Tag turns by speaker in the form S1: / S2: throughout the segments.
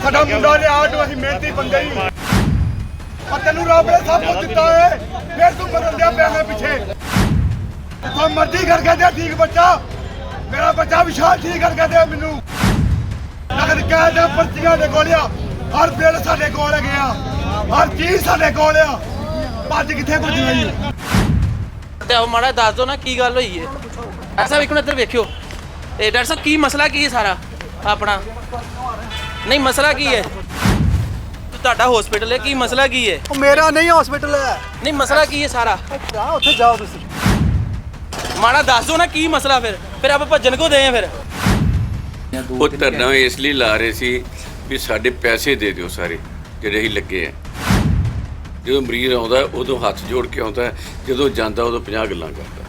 S1: ਸਾਡਾ ਮੁੰਡਾ ਲਿਆ ਜੋ ਅਸੀਂ ਮਿਹਨਤੀ ਬੰਦੇ ਹੀ ਆ ਤੈਨੂੰ ਰੱਬ ਨੇ ਸਭ ਕੁਝ ਦਿੱਤਾ ਏ ਫਿਰ ਤੂੰ ਬਦਲ ਦਿਆ ਪਿਆ ਪਿੱਛੇ ਜਿੱਥੋਂ ਮਰਜ਼ੀ ਕਰਕੇ ਦੇ ਠੀਕ ਬੱਚਾ ਮੇਰਾ ਬੱਚਾ ਵਿਸ਼ਾਲ ਠੀਕ ਕਰਕੇ ਦੇ ਮੈਨੂੰ ਨਗਰ ਕਾਇਦਾ ਪਰਚੀਆਂ ਦੇ ਕੋਲ ਆ ਹਰ ਬਿੱਲ ਸਾਡੇ ਕੋਲ ਹੈਗੇ ਆ ਹਰ ਚੀਜ਼ ਸਾਡੇ ਕੋਲ ਆ ਭੱਜ ਕਿੱਥੇ ਭੱਜਣਾ ਜੀ
S2: ਤੇ ਉਹ ਮਾੜਾ ਦੱਸ ਦੋ ਨਾ ਕੀ ਗੱਲ ਹੋਈ ਹੈ ਡਾਕਟਰ ਸਾਹਿਬ ਇੱਕ ਮਿੰਟ ਇੱਧਰ ਵੇਖਿਓ ਤੇ ਡਾਕਟਰ ਸਾਹਿਬ ਕੀ ਮਸਲਾ ਕੀ ਹੈ ਸਾਰਾ ਆਪਣਾ ਨਹੀਂ ਮਸਲਾ ਕੀ ਹੈ ਤੁਹਾਡਾ ਹਸਪੀਟਲ ਹੈ ਕੀ ਮਸਲਾ ਕੀ ਹੈ
S3: ਉਹ ਮੇਰਾ ਨਹੀਂ ਹਸਪੀਟਲ ਹੈ
S2: ਨਹੀਂ ਮਸਲਾ ਕੀ ਹੈ ਸਾਰਾ
S3: ਜਾ ਉੱਥੇ ਜਾਓ ਤੁਸੀਂ
S2: ਮਾੜਾ ਦੱਸ ਦੋ ਨਾ ਕੀ ਮਸਲਾ ਫਿਰ ਆਪਾਂ ਭੱਜਣ ਕੋ ਦੇ ਆ ਫਿਰ
S4: ਉਹ ਧਰਨਾ ਇਸ ਲਈ ਲਾ ਰਹੇ ਸੀ ਵੀ ਸਾਡੇ ਪੈਸੇ ਦੇ ਦਿਓ ਸਾਰੇ ਜਿਹੜੇ ਹੀ ਲੱਗੇ ਆ ਜਦੋਂ ਮਰੀਜ਼ ਆਉਂਦਾ ਉਦੋਂ ਹੱਥ ਜੋੜ ਕੇ ਆਉਂਦਾ ਜਦੋਂ ਜਾਂਦਾ ਉਦੋਂ 50 ਗੱਲਾਂ ਕਰਦਾ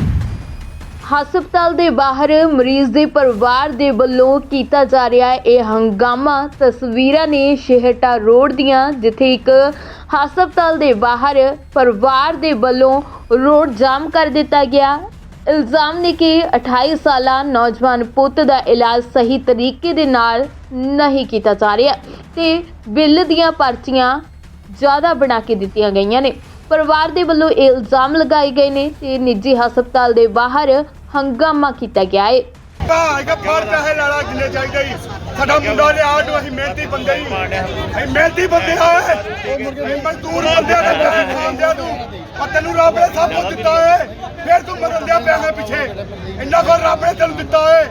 S5: ਹਸਪਤਾਲ ਦੇ ਬਾਹਰ ਮਰੀਜ਼ ਦੇ ਪਰਿਵਾਰ ਦੇ ਵੱਲੋਂ ਕੀਤਾ ਜਾ ਰਿਹਾ ਹੈ ਇਹ ਹੰਗਾਮਾ। ਤਸਵੀਰਾਂ ਨੇ ਸ਼ਹਿਟਾ ਰੋਡ ਦੀਆਂ ਜਿੱਥੇ ਇੱਕ ਹਸਪਤਾਲ ਦੇ ਬਾਹਰ ਪਰਿਵਾਰ ਦੇ ਵੱਲੋਂ ਰੋਡ ਜਾਮ ਕਰ ਦਿੱਤਾ ਗਿਆ। ਇਲਜ਼ਾਮ ਨੇ ਕਿ 28 ਸਾਲਾ ਨੌਜਵਾਨ ਪੁੱਤ ਦਾ ਇਲਾਜ ਸਹੀ ਤਰੀਕੇ ਦੇ ਨਾਲ ਨਹੀਂ ਕੀਤਾ ਜਾ ਰਿਹਾ ਤੇ ਬਿੱਲ ਦੀਆਂ ਪਰਚੀਆਂ ਜ਼ਿਆਦਾ ਬਣਾ ਕੇ ਦਿੱਤੀਆਂ ਗਈਆਂ ਨੇ। ਪਰਿਵਾਰ ਦੇ ਵੱਲੋਂ ਇਹ ਇਲਜ਼ਾਮ ਲਗਾਏ ਗਏ ਨੇ ਤੇ ਨਿੱਜੀ ਹਸਪਤਾਲ ਦੇ ਬਾਹਰ ਹੰਗਾਮਾ ਕੀਤਾ ਗਿਆ ਹੈ।
S1: ਭਾਈ ਫੜ ਪੈਸੇ ਲਾਲਾ ਜਿੰਨੇ ਚਾਹੀਦੇ ਹੀ ਸਾਡਾ ਮੁੰਡਾ ਲਿਆ ਜੋ ਅਸੀਂ ਮਿਹਨਤੀ ਬੰਦੇ ਹੀ ਅਸੀਂ ਮਿਹਨਤੀ ਬੰਦੇ ਆ ਮਜ਼ਦੂਰ ਬੰਦੇ ਆ ਪੈਸੇ ਖਾਂਦੇ ਤੂੰ ਆ ਤੈਨੂੰ ਰੱਬ ਨੇ ਸਭ ਕੁਝ ਦਿੱਤਾ ਏ ਫਿਰ ਤੂੰ ਬਦਲ ਦਿਆ ਪਿਆ ਪਿੱਛੇ ਇੰਨਾ ਕੋਲ ਰੱਬ ਨੇ ਤੈਨੂੰ ਦਿੱਤਾ ਏ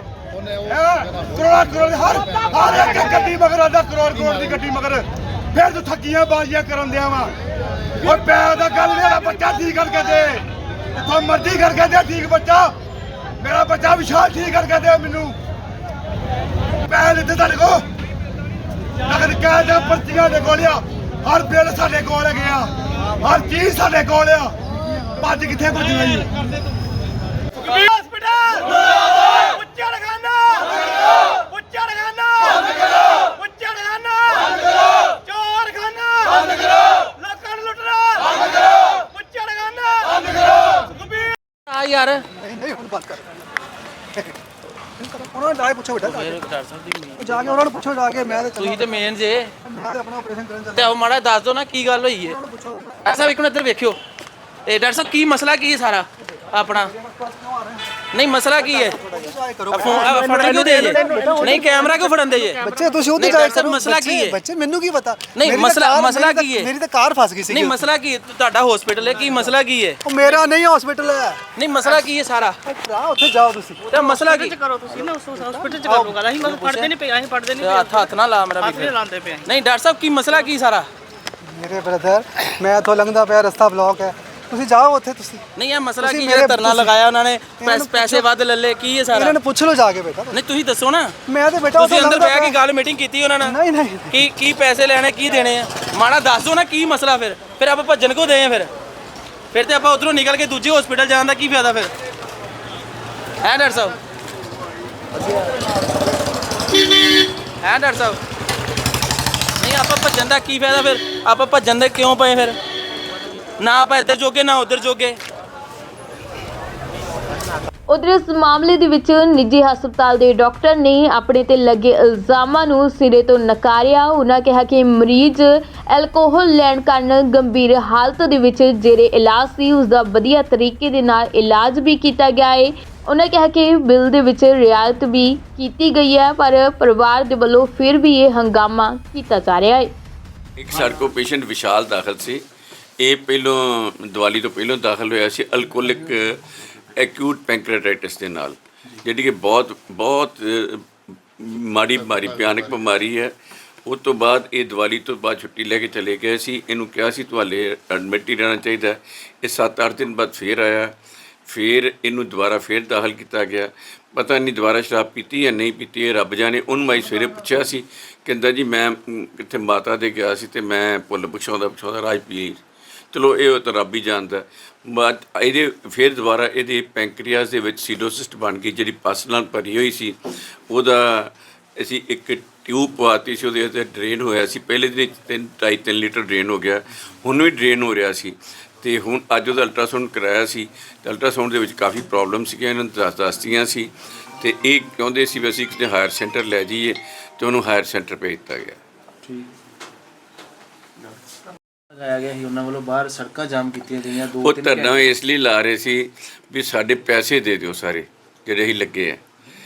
S1: ਕਰੋੜ ਹਰ ਇੱਕ ਗੱਡੀ ਮਗਰ ਆਦਾ ਕਰੋੜ ਦੀ ਗੱਡੀ ਮਗਰ ਫਿਰ ਤੂੰ ਠੱਗੀਆਂ ਬਾਜ਼ੀਆਂ ਕਰਨ ਦਿਆ ਵਾ ਉਹ ਪੈਸੇ ਦਾ ਗੱਲ ਮੇਰਾ ਬੱਚਾ ਠੀਕ ਕਰਕੇ ਦੇ ਜਿੱਥੋਂ ਮਰਜ਼ੀ ਕਰਕੇ ਦੇ ਠੀਕ ਬੱਚਾ ਮੇਰਾ ਬੱਚਾ ਵਿਸ਼ਾਲ ਠੀਕ ਕਰਕੇ ਦੇ ਮੈਨੂੰ ਪੈਸੇ ਦਿੱਤੇ ਤੁਹਾਡੇ ਕੋਲ ਨਗਰ ਕਾਇਦਾ ਪਰਚੀਆਂ ਦੇ ਕੋਲ ਆ ਹਰ ਬਿੱਲ ਸਾਡੇ ਕੋਲ ਹੈਗੇ ਆ ਹਰ ਚੀਜ਼ ਸਾਡੇ ਕੋਲ ਆ ਭੱਜ ਕਿੱਥੇ ਭੱਜਣਾ ਜੀ ਹਸਪੀਟਲ ਉੱਚੜਖਾਨਾ ਉੱਚੜਖਾਨਾ ਉੱਚੜਖਾਨਾ ਚੋਰਖਾਨਾ ਲੋਕਾਂ ਨੂੰ ਲੁੱਟਣਾ ਉੱਚੜਖਾਨਾ
S2: ਆ ਯਾਰ
S3: ਨਹੀਂ ਹੁਣ ਬੰਦ ਕਰ ਉਹਨਾਂ ਨੂੰ ਡਾਇ ਪੁੱਛੋ ਬੇਟਾ
S2: ਡਾਕਟਰ ਸਾਹਿਬ ਦੀ
S3: ਜਾ ਕੇ ਉਹਨਾਂ ਨੂੰ ਪੁੱਛੋ ਜਾ ਕੇ ਮੈਂ
S2: ਤੁਸੀਂ ਤੇ ਮੇਨ ਜੇ
S3: ਮੈਂ ਆਪਣਾ ਆਪਰੇਸ਼ਨ ਕਰਨ ਚੱਲ
S2: ਤੇ ਉਹ ਮਾੜਾ ਦੱਸ ਦੋ ਨਾ ਕੀ ਗੱਲ ਹੋਈ ਹੈ ਡਾਕਟਰ ਸਾਹਿਬ ਇੱਕ ਮਿੰਟ ਇੱਧਰ ਵੇਖਿਓ ਤੇ ਡਾਕਟਰ ਸਾਹਿਬ ਕੀ ਮਸਲਾ ਕੀ ਹੈ ਸਾਰਾ ਆਪਣਾ ਨਹੀਂ ਮਸਲਾ ਕੀ ਹੈ ਫੜਨ ਕਿਉਂ ਦੇ ਜੇ ਨਹੀਂ ਕੈਮਰਾ ਕਿਉਂ ਫੜਨ ਦੇ ਜੇ
S3: ਬੱਚੇ ਤੁਸੀਂ ਉਹਦੇ
S2: ਡਾਕਟਰ ਸਾਹਿਬ ਮਸਲਾ ਕੀ ਹੈ
S3: ਬੱਚੇ ਮੈਨੂੰ ਕੀ ਪਤਾ
S2: ਨਹੀਂ ਮਸਲਾ ਕੀ ਹੈ
S3: ਮੇਰੀ ਤਾਂ ਕਾਰ ਫਸ ਗਈ ਸੀ
S2: ਨਹੀਂ ਮਸਲਾ ਕੀ ਤੁਹਾਡਾ ਹਸਪੀਟਲ ਹੈ ਕੀ ਮਸਲਾ ਕੀ ਹੈ
S3: ਉਹ ਮੇਰਾ ਨਹੀਂ ਹਸਪੀਟਲ ਹੈ
S2: ਨਹੀਂ ਮਸਲਾ ਕੀ ਹੈ ਸਾਰਾ
S3: ਜਾ ਉੱਥੇ ਜਾਓ ਤੁਸੀਂ
S2: ਤੇ ਮਸਲਾ ਕੀ
S6: ਕਰੋ ਤੁਸੀਂ ਨਾ ਉਸ ਹਸਪੀਟਲ ਚ ਕਰੋ ਗੱਲ ਅਸੀਂ ਮਤਲਬ ਪੜਦੇ ਨਹੀਂ ਪਏ ਅਸੀਂ ਪੜਦੇ ਨਹੀਂ
S2: ਹੱਥ ਨਾ ਲਾ ਮੇਰਾ ਵੀ
S6: ਲਾਉਂਦੇ ਪਏ
S2: ਨਹੀਂ ਡਾਕਟਰ ਸਾਹਿਬ ਕੀ ਮਸਲਾ ਕੀ ਸਾਰਾ
S3: ਮੇਰੇ ਬ੍ਰਦਰ ਮੈਂ ਇੱਥੋਂ ਲੰਘਦਾ ਪਿਆ ਰਸਤਾ ਬਲੌਕ ਹੈ ਤੁਸੀਂ ਜਾਓ ਉੱਥੇ ਤੁਸੀਂ
S2: ਨਹੀਂ ਇਹ ਮਸਲਾ ਕੀ ਜਿਹੜਾ ਧਰਨਾ ਲਗਾਇਆ ਉਹਨਾਂ ਨੇ ਪੈਸੇ ਵੱਧ ਲੈ ਲਏ ਕੀ ਹੈ ਸਾਰਾ
S3: ਇਹਨਾਂ ਨੂੰ ਪੁੱਛ ਲਓ ਜਾ ਕੇ ਬੇਟਾ
S2: ਨਹੀਂ ਤੁਸੀਂ ਦੱਸੋ ਨਾ
S3: ਮੈਂ ਤੇ ਬੇਟਾ
S2: ਤੁਸੀਂ ਅੰਦਰ ਬਹਿ ਕੇ ਗੱਲ ਮੀਟਿੰਗ ਕੀਤੀ ਉਹਨਾਂ ਨਾਲ
S3: ਨਹੀਂ ਨਹੀਂ
S2: ਕੀ ਪੈਸੇ ਲੈਣੇ ਕੀ ਦੇਣੇ ਆ ਮਾੜਾ ਦੱਸ ਦੋ ਨਾ ਕੀ ਮਸਲਾ ਫਿਰ ਆਪਾਂ ਭੱਜਣ ਕੋ ਦੇ ਆ ਫਿਰ ਤੇ ਆਪਾਂ ਉਧਰੋਂ ਨਿਕਲ ਕੇ ਦੂਜੇ ਹਸਪੀਟਲ ਜਾਣ ਦਾ ਕੀ ਫਾਇਦਾ ਫਿਰ ਹੈ ਡਾਕਟਰ ਸਾਹਿਬ ਹੈ ਡਾਕਟਰ ਸਾਹਿਬ ਨਹੀਂ ਆਪਾਂ ਭੱਜਣ ਦਾ ਕੀ ਫਾਇਦਾ ਫਿਰ ਆਪਾਂ ਭੱਜਣ ਦੇ ਕਿਉਂ ਪਏ ਫਿਰ ਨਾ ਆਪਾਂ ਇੱਧਰ ਜੋਗੇ ਨਾ ਉੱਧਰ ਜੋਗੇ
S5: ਉਧਰ ਇਸ ਮਾਮਲੇ ਦੇ ਵਿੱਚ ਨਿੱਜੀ ਹਸਪਤਾਲ ਦੇ ਡਾਕਟਰ ਨੇ ਆਪਣੇ ਤੇ ਲੱਗੇ ਇਲਜ਼ਾਮਾਂ ਨੂੰ ਸਿਰੇ ਤੋਂ ਨਕਾਰਿਆ। ਉਹਨਾਂ ਕਿਹਾ ਕਿ ਮਰੀਜ਼ ਐਲਕੋਹਲ ਲੈਣ ਕਾਰਨ ਗੰਭੀਰ ਹਾਲਤ ਦੇ ਵਿੱਚ ਜਿਹੜੇ ਇਲਾਜ ਸੀ ਉਸ ਦਾ ਵਧੀਆ ਤਰੀਕੇ ਦੇ ਨਾਲ ਇਲਾਜ ਵੀ ਕੀਤਾ ਗਿਆ ਹੈ। ਉਹਨਾਂ ਕਿਹਾ ਕਿ ਬਿੱਲ ਦੇ ਵਿੱਚ ਰਿਆਇਤ ਵੀ ਕੀਤੀ ਗਈ ਹੈ ਪਰ ਪਰਿਵਾਰ ਦੇ ਵੱਲੋਂ ਫਿਰ ਵੀ ਇਹ ਹੰਗਾਮਾ ਕੀਤਾ ਜਾ ਰਿਹਾ ਹੈ।
S4: ਇੱਕ ਸਾਡੇ ਕੋਲ ਪੇਸ਼ੈਂਟ ਵਿਸ਼ਾਲ ਦਾਖਲ ਸੀ। ਇਹ ਪਹਿਲੋਂ ਦੀਵਾਲੀ ਤੋਂ ਪਹਿਲੋਂ ਦਾਖਲ ਹੋਇਆ ਸੀ ਅਲਕੋਹਲਿਕ ਐਕਿਊਟ ਪੈਂਕ੍ਰੀਆਟਾਈਟਿਸ ਦੇ ਨਾਲ, ਜਿਹੜੀ ਕਿ ਬਹੁਤ ਮਾੜੀ ਬਿਮਾਰੀ ਭਿਆਨਕ ਬਿਮਾਰੀ ਹੈ। ਉਸ ਤੋਂ ਬਾਅਦ ਇਹ ਦੀਵਾਲੀ ਤੋਂ ਬਾਅਦ ਛੁੱਟੀ ਲੈ ਕੇ ਚਲੇ ਗਏ ਸੀ। ਇਹਨੂੰ ਕਿਹਾ ਸੀ ਤੁਹਾਡੇ ਐਡਮਿਟ ਹੀ ਰਹਿਣਾ ਚਾਹੀਦਾ। ਇਹ 7-8 ਦਿਨ ਬਾਅਦ ਫੇਰ ਆਇਆ, ਫਿਰ ਇਹਨੂੰ ਦੁਬਾਰਾ ਫੇਰ ਦਾਖਲ ਕੀਤਾ ਗਿਆ। ਪਤਾ ਨਹੀਂ ਦੁਬਾਰਾ ਸ਼ਰਾਬ ਪੀਤੀ ਜਾਂ ਨਹੀਂ ਪੀਤੀ, ਇਹ ਰੱਬ ਜਾਣੇ। ਉਹਨੂੰ ਮੈਂ ਸਵੇਰੇ ਪੁੱਛਿਆ ਸੀ, ਕਹਿੰਦਾ ਜੀ ਮੈਂ ਕਿੱਥੇ ਮਾਤਾ ਦੇ ਗਿਆ ਸੀ ਅਤੇ ਮੈਂ ਭੁੱਲ ਪੁੱਛਾਉਂਦਾ ਰਾਜ ਪੀ। ਚਲੋ ਇਹ ਤਾਂ ਰੱਬ ਹੀ ਜਾਣਦਾ। ਬਾਅਦ ਇਹਦੇ ਫਿਰ ਦੁਬਾਰਾ ਇਹਦੇ ਪੈਂਕਰੀਆਸ ਦੇ ਵਿੱਚ ਸੀਡੋਸਿਸਟ ਬਣ ਗਈ, ਜਿਹੜੀ ਪਸ ਨਾਲ ਭਰੀ ਹੋਈ ਸੀ। ਉਹਦਾ ਅਸੀਂ ਇੱਕ ਟਿਊਬ ਪਵਾਤੀ ਸੀ, ਉਹਦੇ ਉੱਤੇ ਡਰੇਨ ਹੋਇਆ ਸੀ। ਪਹਿਲੇ ਦਿਨ 2.5-3 ਲੀਟਰ ਡਰੇਨ ਹੋ ਗਿਆ, ਹੁਣ ਵੀ ਡਰੇਨ ਹੋ ਰਿਹਾ ਸੀ। ਅਤੇ ਹੁਣ ਅੱਜ ਉਹਦਾ ਅਲਟਰਾਸਾਊਂਡ ਕਰਾਇਆ ਸੀ ਅਤੇ ਅਲਟਰਾਸਾਊਂਡ ਦੇ ਵਿੱਚ ਕਾਫੀ ਪ੍ਰੋਬਲਮ ਸੀਗੀਆਂ, ਇਹਨਾਂ ਨੂੰ ਦੱਸਤੀਆਂ ਸੀ। ਅਤੇ ਇਹ ਚਾਹੁੰਦੇ ਸੀ ਵੀ ਅਸੀਂ ਕਿਸੇ ਹਾਇਰ ਸੈਂਟਰ ਲੈ ਜਾਈਏ ਅਤੇ ਉਹਨੂੰ ਹਾਇਰ ਸੈਂਟਰ ਭੇਜ ਦਿੱਤਾ ਗਿਆ।
S2: ਲਗਾਇਆ ਗਿਆ ਸੀ ਉਹਨਾਂ ਵੱਲੋਂ, ਬਾਹਰ ਸੜਕਾਂ ਜਾਮ ਕੀਤੀਆਂ ਗਈਆਂ,
S4: ਉਹ ਧਰਨਾ ਇਸ ਲਈ ਲਾ ਰਹੇ ਸੀ ਵੀ ਸਾਡੇ ਪੈਸੇ ਦੇ ਦਿਓ ਸਾਰੇ ਜਿਹੜੇ ਅਸੀਂ ਲੱਗੇ ਆ,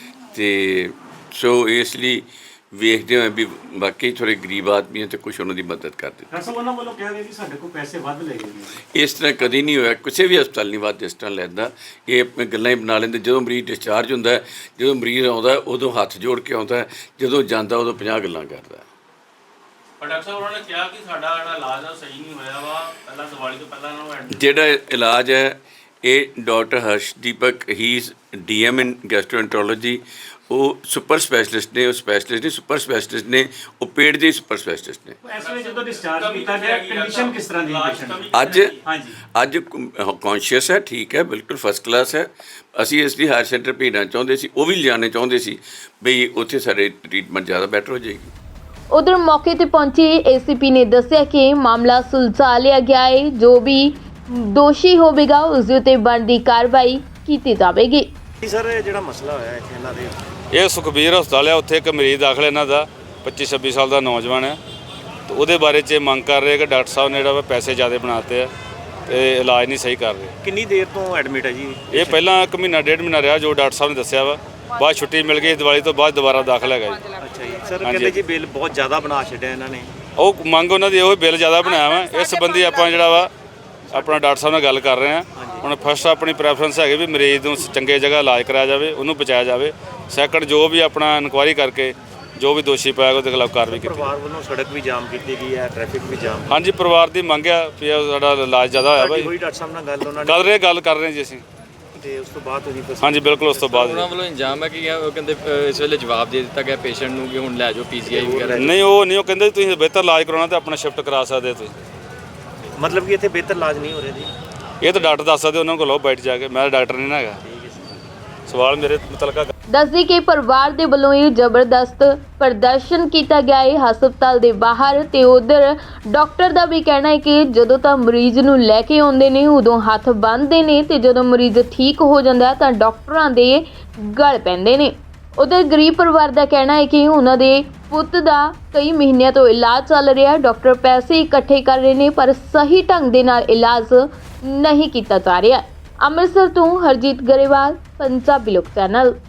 S4: ਤੇ ਸੋ ਇਸ ਲਈ ਵੇਖਦੇ ਹੋਏ ਵੀ ਬਾਕੀ ਥੋੜੇ ਗਰੀਬ ਆਦਮੀ ਆ ਤੇ ਕੁਝ ਉਹਨਾਂ ਦੀ ਮਦਦ ਕਰ ਦਿੱਤੀ।
S7: ਸਰ ਉਹਨਾਂ ਵੱਲੋਂ ਕਿਹਾ ਗਿਆ ਕਿ ਸਾਡੇ ਕੋਲ ਪੈਸੇ ਵੱਧ ਲੈ ਗਏ।
S4: ਇਸ ਤਰ੍ਹਾਂ ਕਦੀ ਨਹੀਂ ਹੋਇਆ, ਕਿਸੇ ਵੀ ਹਸਪਤਾਲ ਨਹੀਂ ਵੱਧ ਇਸ ਤਰ੍ਹਾਂ ਲੈਂਦਾ। ਇਹ ਆਪਣੇ ਗੱਲਾਂ ਹੀ ਬਣਾ ਲੈਂਦੇ। ਜਦੋਂ ਮਰੀਜ਼ ਡਿਸਚਾਰਜ ਹੁੰਦਾ ਹੈ, ਜਦੋਂ ਮਰੀਜ਼ ਆਉਂਦਾ ਉਦੋਂ ਹੱਥ ਜੋੜ ਕੇ ਆਉਂਦਾ, ਜਦੋਂ ਜਾਂਦਾ ਉਦੋਂ 50 ਗੱਲਾਂ ਕਰਦਾ।
S8: ਪਰ ਡਾਕਟਰ ਸਾਹਿਬ ਉਹਨਾਂ ਨੇ ਕਿਹਾ ਕਿ ਸਾਡਾ ਜਿਹੜਾ ਇਲਾਜ ਆ ਸਹੀ ਨਹੀਂ ਹੋਇਆ ਵਾ, ਪਹਿਲਾਂ ਦੀਵਾਲੀ ਤੋਂ ਪਹਿਲਾਂ ਉਹਨਾਂ
S4: ਜਿਹੜਾ ਇਲਾਜ ਹੈ ਇਹ ਡਾਕਟਰ ਹਰਸ਼ਦੀਪਕ ਹੀ DM ਇਨ ਗੈਸਟ੍ਰੋਐਂਟਰੋਲੋਜੀ, ਉਹ ਸੁਪਰ ਸਪੈਸ਼ਲਿਸਟ ਨੇ, ਉਹ ਸਪੈਸ਼ਲਿਸਟ ਨੇ, ਸੁਪਰ ਸਪੈਸ਼ਲਿਸਟ ਨੇ, ਉਹ ਪੇਟ ਦੇ ਸੁਪਰ ਸਪੈਸ਼ਲਿਸਟ ਨੇ।
S7: ਇਸ ਵੇਲੇ ਜਦੋਂ ਡਿਸਚਾਰਜ ਕੀਤਾ ਗਿਆ ਕੰਡੀਸ਼ਨ ਕਿਸ ਤਰ੍ਹਾਂ ਦੀ ਪੇਸ਼ੈਂਟ
S4: ਅੱਜ ਕੌਨਸ਼ੀਅਸ ਹੈ, ਠੀਕ ਹੈ, ਬਿਲਕੁਲ ਫਸਟ ਕਲਾਸ ਹੈ। ਅਸੀਂ ਇਸ ਲਈ ਹਾਇਰ ਸੈਂਟਰ ਭੇਜਣਾ ਚਾਹੁੰਦੇ ਸੀ, ਉਹ ਵੀ ਲਿਜਾਣੇ ਚਾਹੁੰਦੇ ਸੀ ਬਈ ਉੱਥੇ ਸਾਡੇ ਟ੍ਰੀਟਮੈਂਟ ਜ਼ਿਆਦਾ ਬੈਟਰ ਹੋ ਜਾਏਗੀ।
S5: ਉਧਰ ਮੌਕੇ ਤੇ ਪਹੁੰਚੇ ACP ਨੇ ਦੱਸਿਆ ਕਿ ਮਾਮਲਾ ਸੁਲਝਾ ਲਿਆ ਗਿਆ ਹੈ, ਜੋ ਵੀ ਦੋਸ਼ੀ ਹੋਵੇਗਾ ਉਸ ਦੇ ਉੱਤੇ ਬਣਦੀ ਕਾਰਵਾਈ ਕੀਤੀ ਜਾਵੇਗੀ।
S7: ਸਰ ਜਿਹੜਾ ਮਸਲਾ ਹੋਇਆ ਇੱਥੇ ਇਹਨਾਂ ਦੇ,
S9: ਇਹ ਸੁਖਬੀਰ ਹਸਪਤਾਲ ਹੈ, ਉੱਥੇ ਇੱਕ ਮਰੀਜ਼ ਦਾਖਲ ਇਹਨਾਂ ਦਾ 25-26 ਸਾਲ ਦਾ ਨੌਜਵਾਨ ਹੈ, ਤੇ ਉਹਦੇ ਬਾਰੇ 'ਚ ਮੰਗ ਕਰ ਰਹੇ ਕਿ ਡਾਕਟਰ ਸਾਹਿਬ ਨੇ ਜਿਹੜਾ ਵਾ ਪੈਸੇ ਜ਼ਿਆਦਾ ਬਣਾਤੇ ਆ ਤੇ ਇਲਾਜ ਨਹੀਂ ਸਹੀ ਕਰ ਰਹੇ।
S7: ਕਿੰਨੀ ਦੇਰ ਤੋਂ ਐਡਮਿਟ ਹੈ ਜੀ
S9: ਇਹ ਪਹਿਲਾਂ 1 ਮਹੀਨਾ 1.5 ਮਹੀਨਾ ਰਿਹਾ, ਜੋ ਡਾਕਟਰ ਸਾਹਿਬ ਨੇ ਦੱਸਿਆ ਵਾ, ਬਾਅਦ ਛੁੱਟੀ ਮਿਲ ਗਈ, ਦੀਵਾਲੀ ਤੋਂ ਬਾਅਦ ਦੁਬਾਰਾ ਦਾਖਲ ਹੈਗਾ ਜੀ।
S7: ਅੱਛਾ ਜੀ ਸਰ, ਕਹਿੰਦੇ ਜੀ ਬਿੱਲ ਬਹੁਤ ਜ਼ਿਆਦਾ ਬਣਾ ਛੱਡਿਆ ਇਹਨਾਂ ਨੇ।
S9: ਉਹ ਮੰਗ ਉਹਨਾਂ ਦੀ ਉਹ ਬਿੱਲ ਜ਼ਿਆਦਾ ਬਣਾਇਆ ਵਾ, ਇਸ ਸੰਬੰਧੀ ਆਪਾਂ ਜਿਹੜਾ ਵਾ ਆਪਣਾ ਡਾਕਟਰ ਸਾਹਿਬ ਨਾਲ ਗੱਲ ਕਰ ਰਹੇ ਹਾਂ। ਹੁਣ ਫਸਟ ਆਪਣੀ ਪ੍ਰੈਫਰੈਂਸ ਹੈਗੀ ਵੀ ਮਰੀਜ਼ ਨੂੰ ਚੰਗੇ ਜਗ੍ਹਾ ਇਲਾਜ ਕਰਾਇਆ ਜਾਵੇ, ਉਹਨੂੰ ਬਚਾਇਆ ਜਾਵੇ। ਸੈਕੰਡ ਜੋ ਵੀ ਆਪਣਾ ਇਨਕੁਆਇਰੀ ਕਰਕੇ ਜੋ ਵੀ ਦੋਸ਼ੀ ਪਾਏਗਾ ਉਹਦੇ ਖਿਲਾਫ ਕਾਰਵਾਈ ਕੀਤੀ।
S7: ਪਰਿਵਾਰ ਵੱਲੋਂ ਸੜਕ ਵੀ ਜਾਮ ਕੀਤੀ ਗਈ ਹੈ, ਟ੍ਰੈਫਿਕ ਵੀ ਜਾਮ।
S9: ਹਾਂਜੀ, ਪਰਿਵਾਰ ਦੀ ਮੰਗ ਆ ਵੀ ਸਾਡਾ ਇਲਾਜ ਜ਼ਿਆਦਾ ਹੋਇਆ ਭਾਈ।
S7: ਕੋਈ ਡਾਕਟਰ ਸਾਹਿਬ ਨਾਲ ਗੱਲ ਉਹਨਾਂ
S9: ਗੱਲ ਕਰ ਰਹੇ ਜੀ ਅਸੀਂ,
S7: ਤੇ ਉਸ ਤੋਂ ਬਾਅਦ ਤੁਸੀਂ
S9: ਹਾਂਜੀ ਬਿਲਕੁਲ ਉਸ ਤੋਂ ਬਾਅਦ
S10: ਉਹਨਾਂ ਵੱਲੋਂ ਇੰਜਾਮ ਹੈ ਕਿ ਉਹ ਕਹਿੰਦੇ ਇਸ ਵੇਲੇ ਜਵਾਬ ਦੇ ਦਿੱਤਾ ਗਿਆ ਪੇਸ਼ੈਂਟ ਨੂੰ ਕਿ ਹੁਣ ਲੈ ਜਾਓ PGI ਵਗੈਰਾ।
S9: ਨਹੀਂ, ਉਹ ਨਹੀਂ, ਉਹ ਕਹਿੰਦੇ ਤੁਸੀਂ ਬਿਹਤਰ ਇਲਾਜ ਕਰਾਉਣਾ ਤੇ ਆਪਣਾ ਸ਼ਿਫਟ ਕਰਾ ਸਕਦੇ ਤੁਸੀਂ।
S7: ਮਤਲਬ ਕਿ ਇੱਥੇ ਬਿਹਤਰ ਇਲਾਜ ਨਹੀਂ ਹੋ ਰਿਹਾ ਜੀ?
S9: ਇਹ ਤਾਂ ਡਾਕਟਰ ਦੱਸ ਸਕਦੇ, ਉਹਨਾਂ ਕੋਲ ਲਓ ਬੈਠ ਜਾ ਕੇ, ਮੈਂ ਡਾਕਟਰ ਨਹੀਂ ਨਾ ਹੈਗਾ। ਸਵਾਲ ਮੇਰੇ ਮੁਤਲਕਾ
S5: ਦੱਸਦੀ ਕਿ ਪਰਿਵਾਰ ਦੇ ਵੱਲੋਂ ਇਹ ਜ਼ਬਰਦਸਤ ਪ੍ਰਦਰਸ਼ਨ ਕੀਤਾ ਗਿਆ ਹੈ ਹਸਪਤਾਲ ਦੇ ਬਾਹਰ, ਤੇ ਉਧਰ ਡਾਕਟਰ ਦਾ ਵੀ ਕਹਿਣਾ ਹੈ ਕਿ ਜਦੋਂ ਤਾਂ ਮਰੀਜ਼ ਨੂੰ ਲੈ ਕੇ ਆਉਂਦੇ ਨੇ ਉਦੋਂ ਹੱਥ ਬੰਨ੍ਹਦੇ ਨੇ, ਤੇ ਜਦੋਂ ਮਰੀਜ਼ ਠੀਕ ਹੋ ਜਾਂਦਾ ਤਾਂ ਡਾਕਟਰਾਂ ਦੇ ਗਲ ਪੈਂਦੇ ਨੇ। ਉਧਰ ਗਰੀਬ ਪਰਿਵਾਰ ਦਾ ਕਹਿਣਾ ਹੈ ਕਿ ਉਹਨਾਂ ਦੇ ਪੁੱਤ ਦਾ ਕਈ ਮਹੀਨਿਆਂ ਤੋਂ ਇਲਾਜ ਚੱਲ ਰਿਹਾ, ਡਾਕਟਰ ਪੈਸੇ ਇਕੱਠੇ ਕਰ ਰਹੇ ਨੇ ਪਰ ਸਹੀ ਢੰਗ ਦੇ ਨਾਲ ਇਲਾਜ ਨਹੀਂ ਕੀਤਾ ਜਾ ਰਿਹਾ। ਅੰਮ੍ਰਿਤਸਰ ਤੋਂ ਹਰਜੀਤ ਗਰੇਵਾਲ, ਪੰਜਾਬੀ ਲੋਕ ਚੈਨਲ।